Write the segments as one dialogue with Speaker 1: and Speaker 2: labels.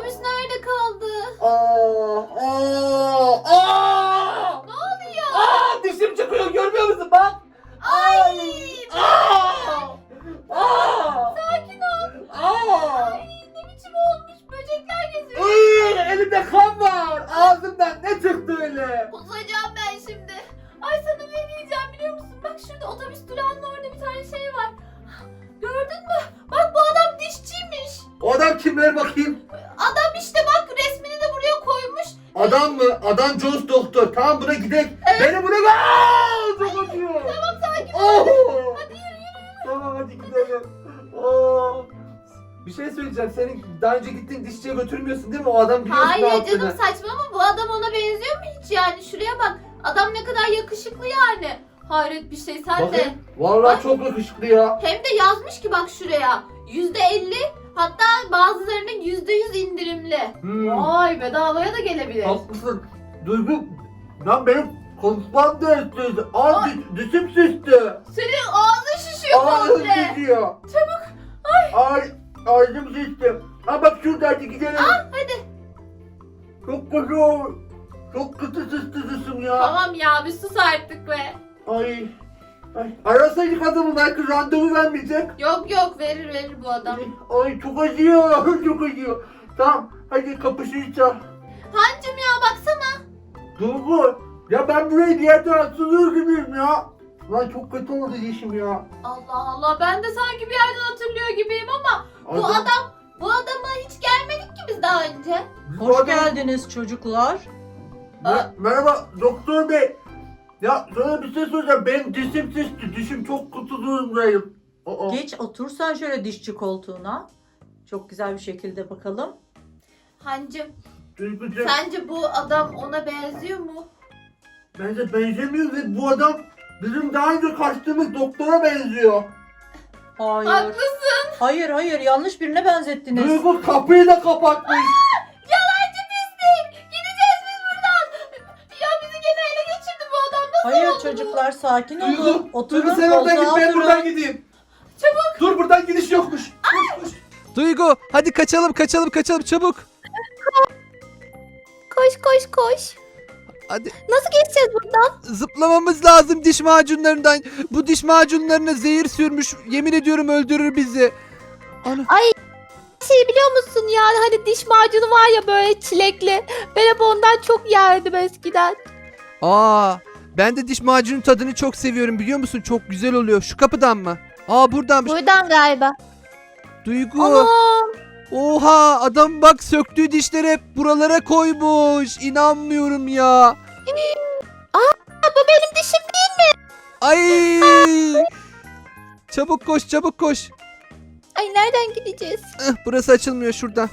Speaker 1: otobüs nerede kaldı?
Speaker 2: Aa!
Speaker 1: Ne oluyor?
Speaker 2: Dişim çıkıyor, görmüyor musun bak?
Speaker 1: Ay!
Speaker 2: Sakin ol.
Speaker 1: Ay, ne biçim olmuş? Böcekler geziyor.
Speaker 2: Elimde kan var. Ağzımdan ne çıktı öyle?
Speaker 1: Kusacağım ben şimdi. Ay sana ne diyeceğim biliyor musun? Bak şurada otobüs durağının orada bir tane şey var. Gördün mü? Bak bu adam dişçiymiş.
Speaker 2: O adam kim, ver bakayım?
Speaker 1: Adam işte bak resmini de buraya koymuş.
Speaker 2: Adam mı? Adam Jones doktor. Tamam, buna gidelim. Beni buna çok acıyor.
Speaker 1: Tamam sakin ol. Hadi yürü.
Speaker 2: Tamam, hadi gidelim. Aa. Bir şey söyleyeceğim. Senin daha önce gittiğin dişçiye götürmüyorsun değil mi? O adam biliyorsun ne
Speaker 1: Hayır
Speaker 2: yaptığını.
Speaker 1: canım saçmalama, bu adam ona benziyor mu hiç yani? Şuraya bak. Adam ne kadar yakışıklı yani. Hayret bir şey sen de.
Speaker 2: Bakayım. Vallahi
Speaker 1: Bak.
Speaker 2: çok yakışıklı ya.
Speaker 1: Hem de yazmış ki bak şuraya. %50, hatta bazılarının %100 indirimli. Vay, bedavaya da gelebilir.
Speaker 2: Haklısın. Duygu, lan benim konuşmam da istedi. Dişim şişti.
Speaker 1: Senin ağzın şişiyor
Speaker 2: Ağzım
Speaker 1: komple.
Speaker 2: şişiyor.
Speaker 1: Çabuk.
Speaker 2: Ağzım şişti. Ha bak şurada, hadi gidelim.
Speaker 1: Hadi.
Speaker 2: Çok kötü oldu. Çok kötü şişti dişim ya.
Speaker 1: Tamam ya, bir sus artık be.
Speaker 2: Ay. Arasaydık adamı, belki randevu vermeyecek.
Speaker 1: Yok verir bu adam.
Speaker 2: Ay çok acıyor. Çok acıyor. Tamam, hadi kapışacağız.
Speaker 1: Hancım ya baksana.
Speaker 2: Duygu, ya ben burayı diğer tarafta gibiyim ya. Lan çok kötü oldu dişim ya.
Speaker 1: Allah Allah, ben de sanki bir yerden hatırlıyor gibiyim ama bu adama hiç gelmedik ki biz daha önce.
Speaker 3: Hoş geldiniz çocuklar.
Speaker 2: Merhaba doktor bey. Ya sana bir şey soracağım. Benim dişim şişti. Dişim çok kötü durumdayım.
Speaker 3: Geç otur sen şöyle dişçi koltuğuna. Çok güzel bir şekilde bakalım.
Speaker 1: Hancım,
Speaker 2: Duygucuğum,
Speaker 1: sence bu adam ona benziyor mu?
Speaker 2: bence benzemiyor ve bu adam bizim daha önce kaçtığımız doktora benziyor.
Speaker 3: Hayır.
Speaker 1: Haklısın.
Speaker 3: Hayır yanlış birine benzettiniz.
Speaker 2: Duygu kapıyı da kapatmış.
Speaker 1: Yalancı pislik. Gideceğiz biz buradan. Ya bizi gene ele geçirdi bu adam. Nasıl
Speaker 3: Hayır
Speaker 1: oldu bu?
Speaker 3: çocuklar sakin olun.
Speaker 2: Duygu
Speaker 3: Oturun
Speaker 2: sen oradan git,
Speaker 3: koltuğa
Speaker 2: ben buradan
Speaker 3: oturun.
Speaker 2: gideyim.
Speaker 1: Çabuk.
Speaker 2: Dur, buradan gidiş yokmuş. Koş.
Speaker 4: Duygu hadi kaçalım çabuk.
Speaker 1: Koş.
Speaker 4: Hadi
Speaker 1: Nasıl geçeceğiz buradan?
Speaker 4: zıplamamız lazım diş macunlarından. Bu diş macunlarına zehir sürmüş. Yemin ediyorum öldürür bizi. Ana.
Speaker 5: Şey biliyor musun ya, hani diş macunu var ya böyle çilekli. Ben hep ondan çok yerdim eskiden.
Speaker 4: Aa, ben de diş macunun tadını çok seviyorum biliyor musun? Çok güzel oluyor. Şu kapıdan mı? Aa buradanmış.
Speaker 5: Buradan galiba.
Speaker 4: Duygu.
Speaker 5: Anam.
Speaker 4: Oha adam bak söktüğü dişleri hep buralara koymuş. İnanmıyorum ya.
Speaker 5: Bu benim dişim değil.
Speaker 4: Ay. Çabuk koş.
Speaker 5: Ay nereden gideceğiz?
Speaker 4: Burası açılmıyor şuradan.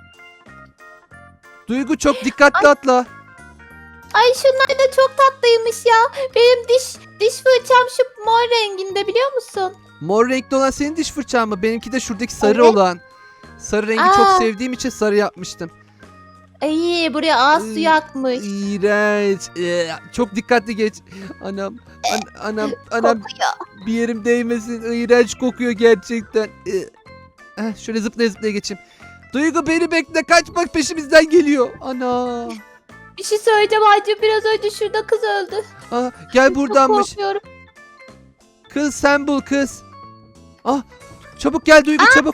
Speaker 4: Duygu çok dikkatli atla.
Speaker 5: Ay şunlar da çok tatlıymış ya. Benim diş fırçam şu mor renginde biliyor musun?
Speaker 4: Mor renkli olan senin diş fırçan mı? Benimki de şuradaki sarı
Speaker 5: Evet.
Speaker 4: olan. Sarı rengi
Speaker 5: Aa.
Speaker 4: çok sevdiğim için sarı yapmıştım.
Speaker 5: Ay buraya ağız
Speaker 4: Iy,
Speaker 5: suyu akmış.
Speaker 4: İğrenç. Çok dikkatli geç. Anam. Anam.
Speaker 5: Kokuyor.
Speaker 4: Bir yerim değmesin. İğrenç kokuyor gerçekten. Şöyle zıplaya geçeyim. Duygu beni bekle. Kaçmak peşimizden geliyor. Ana.
Speaker 5: Bir şey söyleyeceğim Hacı, biraz önce şurada kız öldü.
Speaker 4: Gel
Speaker 5: Çok
Speaker 4: buradanmış.
Speaker 5: korkuyorum.
Speaker 4: Kız sen bul kız. Çabuk gel Duygu çabuk.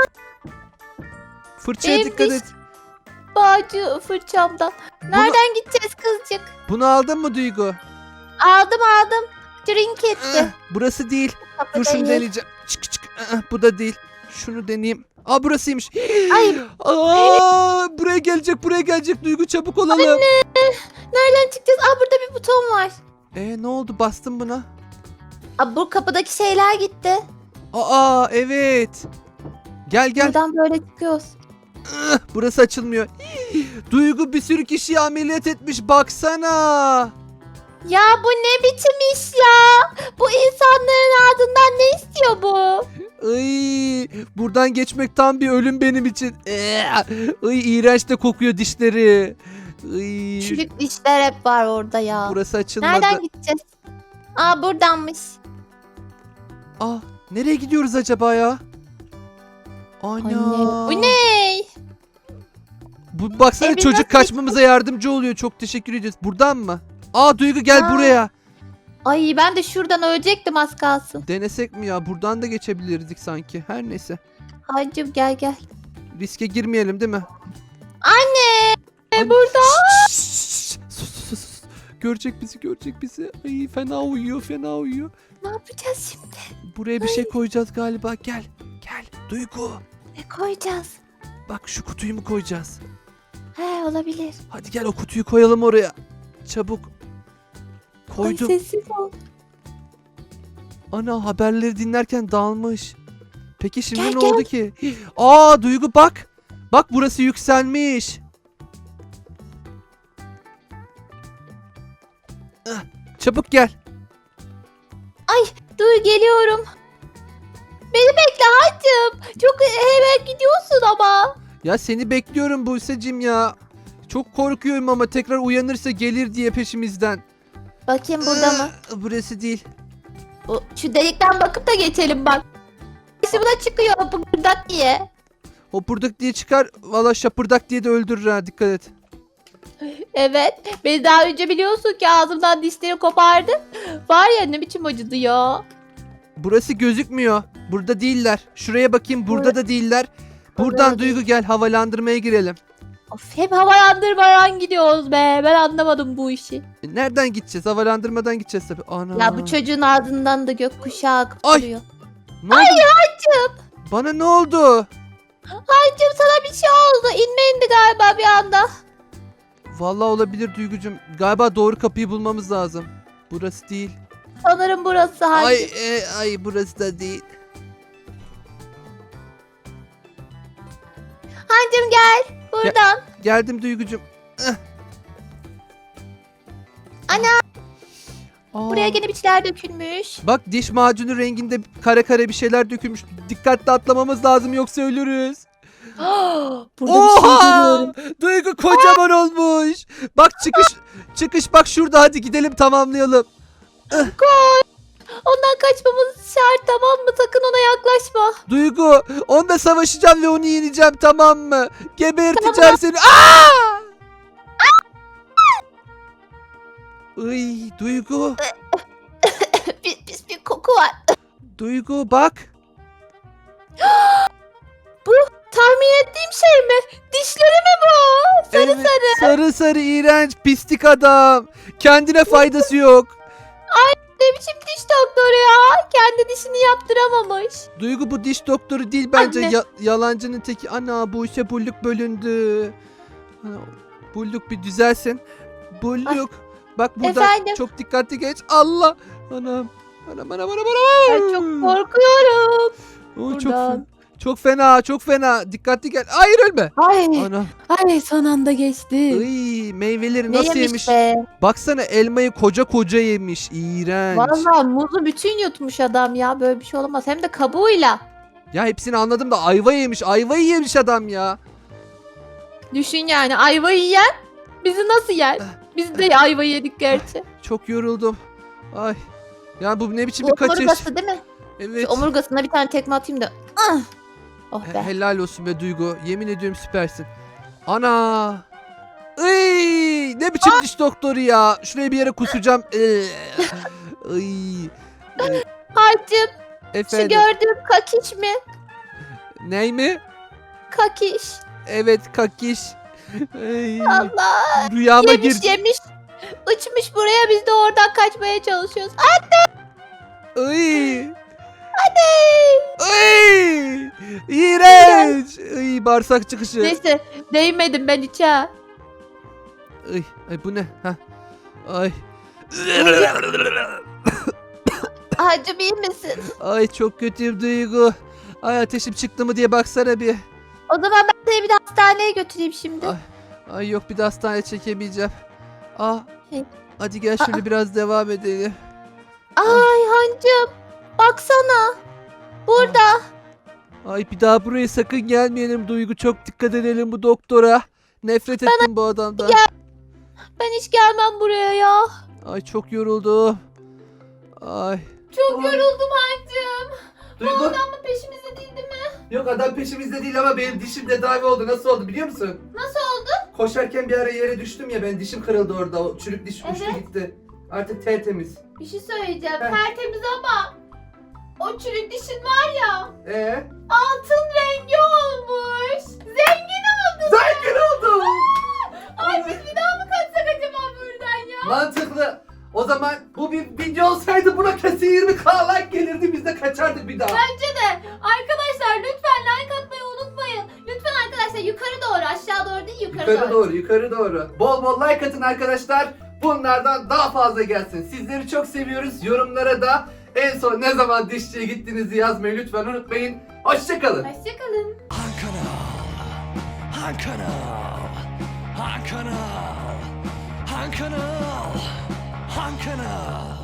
Speaker 4: Fırçaya
Speaker 5: Benim
Speaker 4: dikkat
Speaker 5: diş-
Speaker 4: et.
Speaker 5: Bağcı fırçamdan. Nereden gideceğiz kızcık?
Speaker 4: Bunu aldın mı Duygu?
Speaker 5: Aldım. Drink etti.
Speaker 4: Burası değil. Dur şunu
Speaker 5: Kapıdayız.
Speaker 4: deneyeceğim. Çık. Bu da değil. Şunu deneyeyim. Burasıymış.
Speaker 5: Ay.
Speaker 4: Buraya gelecek Duygu çabuk olalım.
Speaker 5: Nereden çıkacağız? Burada bir buton var.
Speaker 4: Ne oldu bastım buna?
Speaker 5: Bu kapıdaki şeyler gitti.
Speaker 4: Evet. Gel.
Speaker 5: Buradan böyle çıkıyoruz.
Speaker 4: Burası açılmıyor. Duygu bir sürü kişiyi ameliyat etmiş baksana.
Speaker 5: Ya bu ne biçim iş ya? Bu insanların ardından ne istiyor bu?
Speaker 4: Buradan geçmek tam bir ölüm benim için. İğrenç de kokuyor dişleri.
Speaker 5: Çürük dişler hep var orada ya.
Speaker 4: Burası açılmadı.
Speaker 5: Nereden gideceğiz? Buradanmış.
Speaker 4: Nereye gidiyoruz acaba ya?
Speaker 5: Anne.
Speaker 4: Ana.
Speaker 5: Bu ne?
Speaker 4: Bu baksana
Speaker 5: Evin
Speaker 4: çocuk
Speaker 5: nasıl
Speaker 4: kaçmamıza yardımcı oluyor. Çok teşekkür ediyoruz. Buradan mı? Aa Duygu gel
Speaker 5: Aa.
Speaker 4: buraya.
Speaker 5: Ay ben de şuradan ölecektim az kalsın.
Speaker 4: Denesek mi ya? Buradan da geçebilirdik sanki. Her neyse.
Speaker 5: Hancım gel gel.
Speaker 4: Riske girmeyelim değil mi?
Speaker 5: Anne
Speaker 4: Ay,
Speaker 5: burada.
Speaker 4: şşş, şşş, sus. Görecek bizi. Ay fena uyuyor.
Speaker 5: Ne yapacağız şimdi?
Speaker 4: Buraya bir şey koyacağız galiba. Gel. Duygu.
Speaker 5: Ne koyacağız?
Speaker 4: Bak şu kutuyu mu koyacağız?
Speaker 5: He olabilir.
Speaker 4: Hadi gel o kutuyu koyalım oraya. Çabuk.
Speaker 5: Ay
Speaker 4: Koydum.
Speaker 5: sessiz ol.
Speaker 4: Ana haberleri dinlerken dalmış. Peki şimdi
Speaker 5: Gel,
Speaker 4: ne
Speaker 5: gel.
Speaker 4: oldu ki? Aa Duygu bak. Bak burası yükselmiş. Ah, çabuk gel.
Speaker 5: Dur geliyorum. Beni bekle Hancım. Çok hemen gidiyorsun ama.
Speaker 4: Ya seni bekliyorum Buse'cim ya. Çok korkuyorum ama tekrar uyanırsa gelir diye peşimizden.
Speaker 5: Bakayım burada mı?
Speaker 4: Burası değil.
Speaker 5: Şu delikten bakıp da geçelim bak. Buna çıkıyor bıngırdak diye.
Speaker 4: Hopurdak diye çıkar. Valla şapırdak diye de öldürür ha, dikkat et.
Speaker 5: Evet. Beni daha önce biliyorsun ki ağzımdan dişleri kopardı. Var ya ne biçim acıdı ya.
Speaker 4: Burası gözükmüyor. Burada değiller. Şuraya bakayım, burada da değiller. Buradan
Speaker 5: da
Speaker 4: Duygu gel, havalandırmaya girelim.
Speaker 5: Of hep havalandırmadan gidiyoruz be. Ben anlamadım bu işi.
Speaker 4: Nereden gideceğiz? Havalandırmadan gideceğiz tabii. Ana.
Speaker 5: Ya bu çocuğun ağzından da gökkuşağı akıp
Speaker 4: Ay.
Speaker 5: duruyor.
Speaker 4: Ne oldu? Bana ne oldu?
Speaker 5: Hancım sana bir şey oldu. İnme indi galiba bir anda.
Speaker 4: Vallahi olabilir Duygucum. Galiba doğru kapıyı bulmamız lazım. Burası değil.
Speaker 5: Sanırım burası Hancım.
Speaker 4: Ay burası da değil.
Speaker 5: Hancım gel. Buradan.
Speaker 4: Geldim Duygucum.
Speaker 5: Ana.
Speaker 4: Aa,
Speaker 5: Buraya gene bir şeyler dökülmüş.
Speaker 4: bak diş macunu renginde kare kare bir şeyler dökülmüş. Dikkatli atlamamız lazım yoksa ölürüz.
Speaker 5: Burada bir şey görüyorum.
Speaker 4: Duygu kocaman olmuş. Bak çıkış bak şurada, hadi gidelim tamamlayalım.
Speaker 5: Ondan kaçmamız şart tamam mı? Sakın ona yaklaşma.
Speaker 4: Duygu onunla savaşacağım ve onu yeneceğim, tamam mı? Geberteceğim seni. Aa! Iy, Duygu.
Speaker 5: Pis bir koku var.
Speaker 4: Duygu bak.
Speaker 5: Tahmin ettiğim şey mi? Dişleri mi bu? Sarı sarı.
Speaker 4: Sarı iğrenç pislik adam. Kendine faydası yok.
Speaker 5: Ne biçim diş doktoru ya? Kendi dişini yaptıramamış.
Speaker 4: Duygu bu diş doktoru değil bence.
Speaker 5: Anne.
Speaker 4: Yalancının teki. Ana bu işe bulluk bölündü. Ana, bulluk bir düzelsin. Bulluk. Bak burada
Speaker 5: Efendim?
Speaker 4: çok dikkatli geç. Allah. Anam. Anam.
Speaker 5: Ben çok korkuyorum.
Speaker 4: Oo,
Speaker 5: buradan.
Speaker 4: çok fena. Dikkatli gel. Hayır ölme.
Speaker 5: Ay,
Speaker 4: Ana.
Speaker 5: ay son anda geçti.
Speaker 4: Iy, meyveleri
Speaker 5: Ne
Speaker 4: nasıl
Speaker 5: yemiş
Speaker 4: yemiş?
Speaker 5: be?
Speaker 4: Baksana elmayı koca yemiş. İğrenç.
Speaker 5: Vallahi muzu bütün yutmuş adam ya. Böyle bir şey olamaz. Hem de kabuğuyla.
Speaker 4: Ya hepsini anladım da ayva yemiş. Ayvayı yemiş adam ya.
Speaker 5: Düşün yani ayvayı yiyen bizi nasıl yer? Biz de ayva yedik gerçi.
Speaker 4: Çok yoruldum. Ay. Ya bu ne biçim
Speaker 5: Bu
Speaker 4: bir kaçış?
Speaker 5: omurgası değil mi?
Speaker 4: Evet.
Speaker 5: Şu omurgasına bir tane tekme atayım da. Ah! Oh be.
Speaker 4: Helal olsun be Duygu. Yemin ediyorum süpersin. Ana. Iy, ne biçim diş doktoru ya. Şuraya bir yere kusacağım. Iy.
Speaker 5: Hacım şu
Speaker 4: Efendim.
Speaker 5: gördüğüm kakiş mi?
Speaker 4: Ney mi?
Speaker 5: Kakiş.
Speaker 4: Evet kakiş. Ay,
Speaker 5: Allah.
Speaker 4: rüyama
Speaker 5: Yemiş
Speaker 4: girdi.
Speaker 5: yemiş. Uçmuş buraya biz de oradan kaçmaya çalışıyoruz.
Speaker 4: Ay.
Speaker 5: Hadi.
Speaker 4: Ay. İğrenç. Ay, bağırsak çıkışı.
Speaker 5: Neyse değmedim ben hiç ha.
Speaker 4: Ay bu ne? Hah. Ay.
Speaker 5: Hacım iyi misin?
Speaker 4: Ay çok kötüyüm Duygu. Ay ateşim çıktı mı diye baksana bir.
Speaker 5: O zaman ben seni bir de hastaneye götüreyim şimdi.
Speaker 4: Ay. Ay yok bir de hastaneye çekemeyeceğim. Ah.
Speaker 5: Hey.
Speaker 4: Hadi gel şöyle biraz devam edelim.
Speaker 5: Ay hancım baksana. Burada.
Speaker 4: Ay bir daha buraya sakın gelmeyelim Duygu. Çok dikkat edelim bu doktora. Nefret ettim bu adamdan.
Speaker 5: Ben hiç gelmem buraya ya.
Speaker 4: Ay çok yoruldum. Ay.
Speaker 1: Çok yoruldum Hancım. Bu
Speaker 2: Duygu.
Speaker 1: adam mı peşimizde değil mi?
Speaker 2: Yok adam peşimizde değil ama benim dişim tedavi oldu. Nasıl oldu biliyor musun?
Speaker 1: Nasıl oldu?
Speaker 2: koşarken bir ara yere düştüm ya, ben dişim kırıldı orada. O çürük diş uçtu
Speaker 1: Evet.
Speaker 2: gitti. Artık tertemiz.
Speaker 1: Bir şey söyleyeceğim.
Speaker 2: Heh.
Speaker 1: Tertemiz ama o çürük dişin var ya, altın rengi olmuş. Zengin oldun.
Speaker 2: Zengin oldum.
Speaker 1: Ay biz bir daha mı kaçsak acaba buradan ya?
Speaker 2: Mantıklı. O zaman bu bir video olsaydı buna kesin 20K like gelirdi, biz de kaçardık bir daha.
Speaker 1: Bence de. Arkadaşlar lütfen like atmayı unutmayın. Lütfen arkadaşlar yukarı doğru, aşağı doğru değil,
Speaker 2: Yukarı doğru. Bol bol like atın arkadaşlar. Bunlardan daha fazla gelsin. Sizleri çok seviyoruz. Yorumlara da en son ne zaman dişçiye gittiğinizi yazmayı lütfen unutmayın. Hoşçakalın.
Speaker 1: Hoşçakalın.
Speaker 6: Han kanal. Han kanal. Han kanal. Han kanal. Han kanal.